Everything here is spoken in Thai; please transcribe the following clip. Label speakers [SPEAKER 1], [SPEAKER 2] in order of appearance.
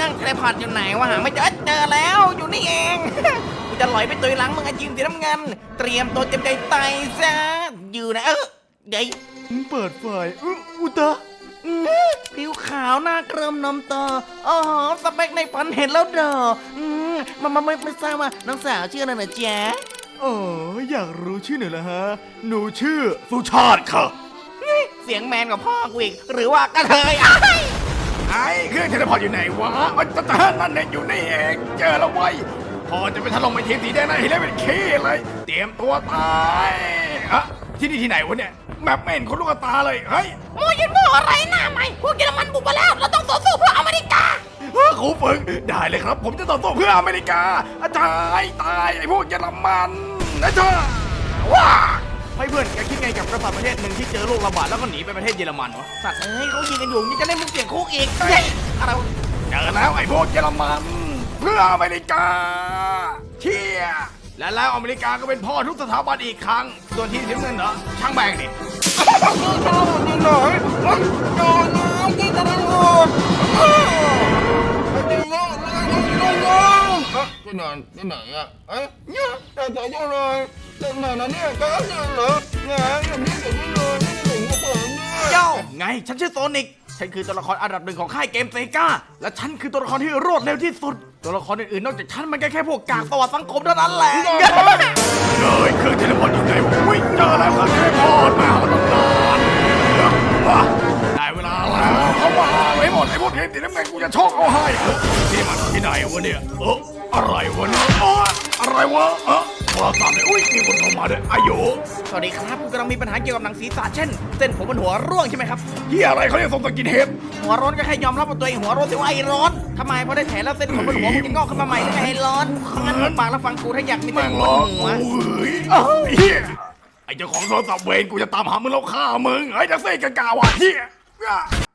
[SPEAKER 1] เทเลพอร์ตอยู่ไหนวะหาไม่เจอแล้วอยู่นี่เองกูจะลอยไปตุยหลังมึงไอ้จิมสีน้ำเงินเตรียมตัวเต็มใจตายซะอยู่นะเดี๋ยว
[SPEAKER 2] เปิดไฟอุตะ
[SPEAKER 1] ผิวขาวหน้าเกริมนมโตอ๋อสเปคในฝันเห็นแล้วเด้อมันไม่ทราบว่าน้องสาวชื่ออะไรนะจ๊ะ
[SPEAKER 2] อยากรู้ชื่อหน่อยละฮะหนูชื่อสุชาติค่ะ
[SPEAKER 1] เสียงแมนกับพ่อกูอีกหรือว่ากระเทย
[SPEAKER 2] ไอ้เครื่องเทเลพอร์ตอยู่ไหนวะมันจะนั่นเองอยู่นี่เองเจอแล้วไว้พอจะไปถล่มไอ้ทีมสีแดงนั่นให้ได้เป็นขี้เลยเตรียมตัวตายอะที่นี่ที่ไหนวะเนี่ยแมปไม่เห็นคนลูกตาเลยเฮ้ย
[SPEAKER 1] โมยินโมอะไรหน้าใหม่พวกเยอรมันบุกมาแล้วเราต้องต่อสู้เพื่ออเมริกา
[SPEAKER 2] ครูฝึกได้เลยครับผมจะต่อสู้เพื่ออเมริกาอาจารย์ตายไอ้พวกเยอรมันนะจ๊ะว้าให้เพื่อนแกคิดไงกับกษัตริย์ประเทศหนึ่งที่เจอโรคระบาดแล้วก็หนีไปประเทศเยอรมันวะ
[SPEAKER 1] สัตว์เขายิงกันอยู่นี่จะเล่นมุกเสียงคุกอีกเฮ้ยอะไร
[SPEAKER 2] เจอแล้วไอ้พวกเยอรมันเพื่ออเมริกาเชี่ยแล้วอเมริกาก็เป็นพ่อทุกสถาบันอีกครั้งส่วนที่ถึงเงินเหรอช่างแบงดิ
[SPEAKER 1] นี่หน่อยโดนน้ำที่ตะลุน
[SPEAKER 3] ที่ไหนอ่ะเนี่ยแต่จังเลยแต่ไหนนะเนี่ยก็ยังเหรอไงอย่างนี้อย่างนี้เลยไม่ได้ถึงกระเป๋าเนี่ย
[SPEAKER 1] เจ้าไงฉันชื่อโซนิกฉันคือตัวละครอันดับหนึ่งของค่ายเกมเซกาและฉันคือตัวละครที่รวดเร็วที่สุดตัวละครอื่นๆนอกจากฉันมันแค่พวกกากประวัติสังคมเท่านั้นแหละ
[SPEAKER 2] เครื่องเทเลพอร์ตอยู่ไหนวิ่งเจอแล้วครับเทเลพอร์ตมาตั้งนานได้เวลาแล้วเข้ามาไว้หมดไอ้พวกเทมสีน้ำเงินกูจะโชคเอาให้ที่มันที่ไหนวะเนี่ยอะไรวะเนี่ยอะไรวะโทรศัพท์เลยอุ้ยมีคนโทรมาด้วยอายุ
[SPEAKER 1] สวัสดีครับคุณกำลังมีปัญหาเกี่ยวกับหนังศีรษะเช่นเส้นผมบนหัวร่วงใช่ไหมครับ
[SPEAKER 2] ที่อะไรเขาเรียกทรงสกินเฮด
[SPEAKER 1] หัวร้อนก็แค่ยอมรับว่าตัวเองหัวร้อนสิว่าไอ้ร้อนทำไมพอได้แผลแล้วเส้นผมบนหัวมันจะงอกขึ้นมาใหม่ได้ไอ้ร้อนงั้นปากแล้วฟังกูถ้าอยากมีเส้นผมบนหัว
[SPEAKER 2] ไอ้เจ้าของโทรศัพท์เวรกูจะตามหามึงแล้วฆ่ามึงไอ้จะเซ่กะกาวะเฮีย